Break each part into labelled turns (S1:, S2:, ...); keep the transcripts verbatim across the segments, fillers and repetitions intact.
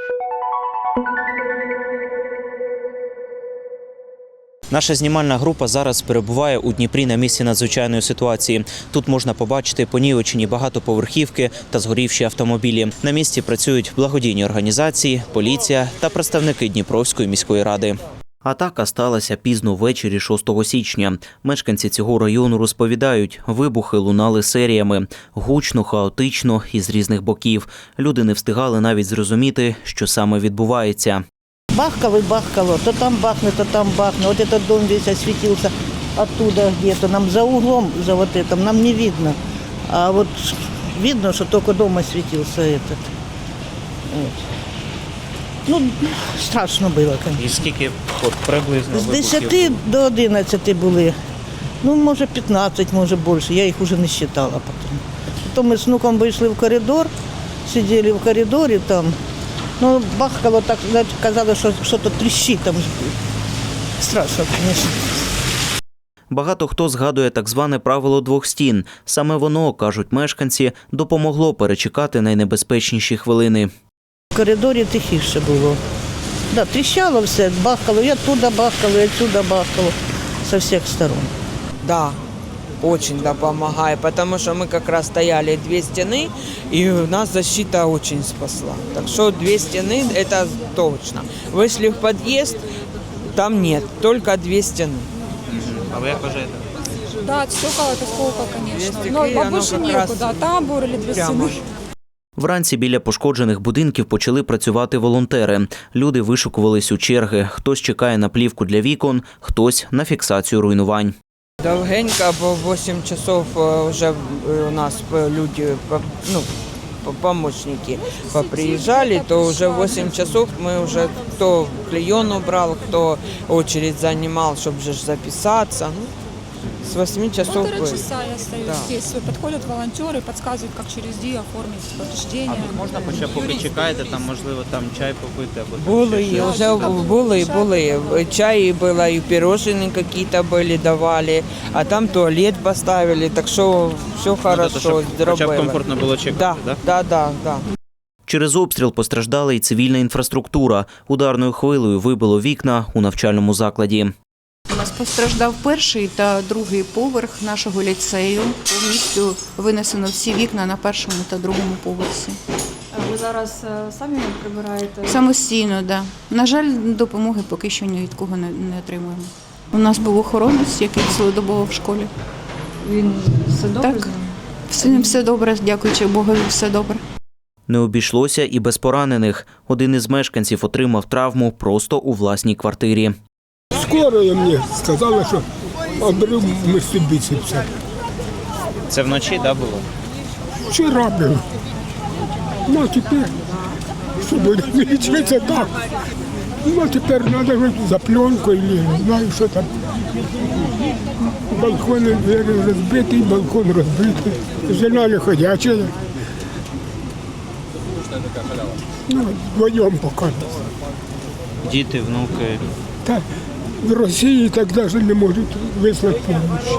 S1: Наша знімальна група зараз перебуває у Дніпрі на місці надзвичайної ситуації. Тут можна побачити понівечені багатоповерхівки та згорівші автомобілі. На місці працюють благодійні організації, поліція та представники Дніпровської міської ради. Атака сталася пізно ввечері шостого січня. Мешканці цього району розповідають, вибухи лунали серіями. Гучно, хаотично і з різних боків. Люди не встигали навіть зрозуміти, що саме відбувається.
S2: Бахкало и бахкало, то там бахнет, то там бахнет. Вот этот дом весь осветился оттуда где-то. Нам за углом, за вот этим, нам не видно. А вот видно, что только дом осветился этот. Вот. Ну, страшно было, конечно.
S1: І скільки от, приблизно
S2: З десяти до одинадцяти були. Ну, може п'ятнадцять, може більше. Я їх вже не вважала потім. Потім ми з внуком вийшли в коридор, сиділи в коридорі там. Ну, бахкало так, казали, що щось тріщить там. Страшно, звісно.
S1: Багато хто згадує так зване правило двох стін. Саме воно, кажуть мешканці, допомогло перечекати найнебезпечніші хвилини.
S2: В коридорі тихіше було. Да, тріщало все, бахкало, і оттуда бахкало, і отсюда бахкало, со всіх сторон.
S3: Да, очень да, помогает, потому что мы как раз стояли две стены, и нас защита очень спасла. Так что две стены – это точно. Вышли в подъезд, там нет, только две стены.
S1: А ви як вважаєте?
S4: Да, стекол это сколько, конечно.
S3: Две
S4: Но
S3: стекли,
S4: больше
S3: оно как раз
S4: некуда. Тамбур или две
S3: прямо.
S4: стены.
S1: Вранці біля пошкоджених будинків почали працювати волонтери. Люди вишукувались у черги. Хтось чекає на плівку для вікон, хтось на фіксацію руйнувань.
S3: Довгенько, бо вісім часов вже у нас люди, ну, помощники поприезжали, то уже в восемь часов мы уже кто клеен убрал, кто очередь занимал, чтобы же записаться. Ну, с восьми часов.
S4: Полтора часа я стою
S3: Да.
S4: здесь. Подходят волонтеры, подсказывают, как через ДИ оформить повреждения.
S1: А тут можна, хоча поки
S4: Юристы.
S1: чекаєте, там можливо там чай попити або там
S3: Були,
S1: ще щось?
S3: вже були, були. Чаї було, і пирожные какие-то были, давали, а там туалет поставили, так що все
S1: Ну,
S3: хорошо,
S1: тобто, щоб хоча б
S3: зробили.
S1: комфортно було чекати,
S3: Да,
S1: да?
S3: да, да, да.
S1: Через обстріл постраждала і цивільна інфраструктура. Ударною хвилею вибило вікна у навчальному закладі.
S5: У нас постраждав перший та другий поверх нашого ліцею. Повністю винесено всі вікна на першому та другому поверсі.
S6: Ви зараз е, самі прибираєте?
S5: Самостійно, так. Да. На жаль, допомоги поки що ні від кого не, не отримуємо. У нас був охоронець, який цілодобово в школі.
S6: Він все добре?
S5: Так.
S6: з ним?
S5: Все, все добре, дякуючи Богу, все добре.
S1: Не обійшлося і без поранених. Один із мешканців отримав травму просто у власній квартирі.
S7: Скорая мені сказала, що обрив мишці біцепса.
S1: Це вночі, да, було?
S7: Вчора був. Ну, а тепер, що буде лічитися так. Ну, а тепер треба за пленкою, не знаю, що там. Балкон розбитий, балкон розбитий. Жена не ходяча. Ну, вдвоєм поки.
S1: Діти, внуки.
S7: Так, в Росії так навіть не можуть вислати допомогу.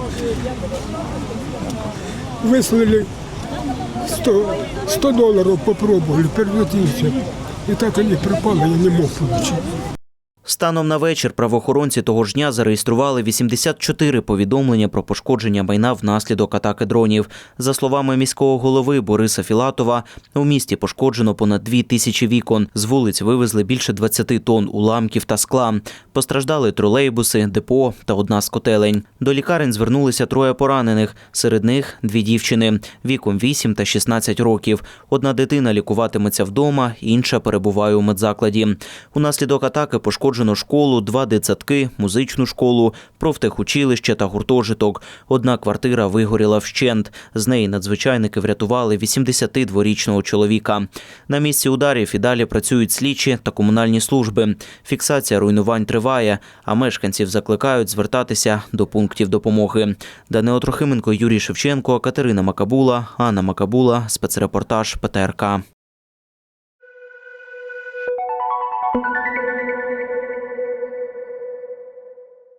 S7: Вислали сто, сто доларів, попробували, переплатився. І так вони пропали, я не мог отримати.
S1: Станом на вечір правоохоронці того ж дня зареєстрували вісімдесят чотири повідомлення про пошкодження майна внаслідок атаки дронів. За словами міського голови Бориса Філатова, у місті пошкоджено понад дві тисячі вікон. З вулиць вивезли більше двадцяти тонн уламків та скла. Постраждали тролейбуси, депо та одна з котелень. До лікарень звернулися троє поранених. Серед них дві дівчини віком вісім та шістнадцять років. Одна дитина лікуватиметься вдома, інша перебуває у медзакладі. Унаслідок атаки пошкоджено школу, два дитсадки, музичну школу, профтехучилище та гуртожиток. Одна квартира вигоріла вщент. З неї надзвичайники врятували вісімдесятидворічного чоловіка. На місці ударів і далі працюють слідчі та комунальні служби. Фіксація руйнувань триває, а мешканців закликають звертатися до пунктів допомоги. Данило Трохименко, Юрій Шевченко, Катерина Макабула, Анна Макабула, спецрепортаж Пе Те Ер Ка.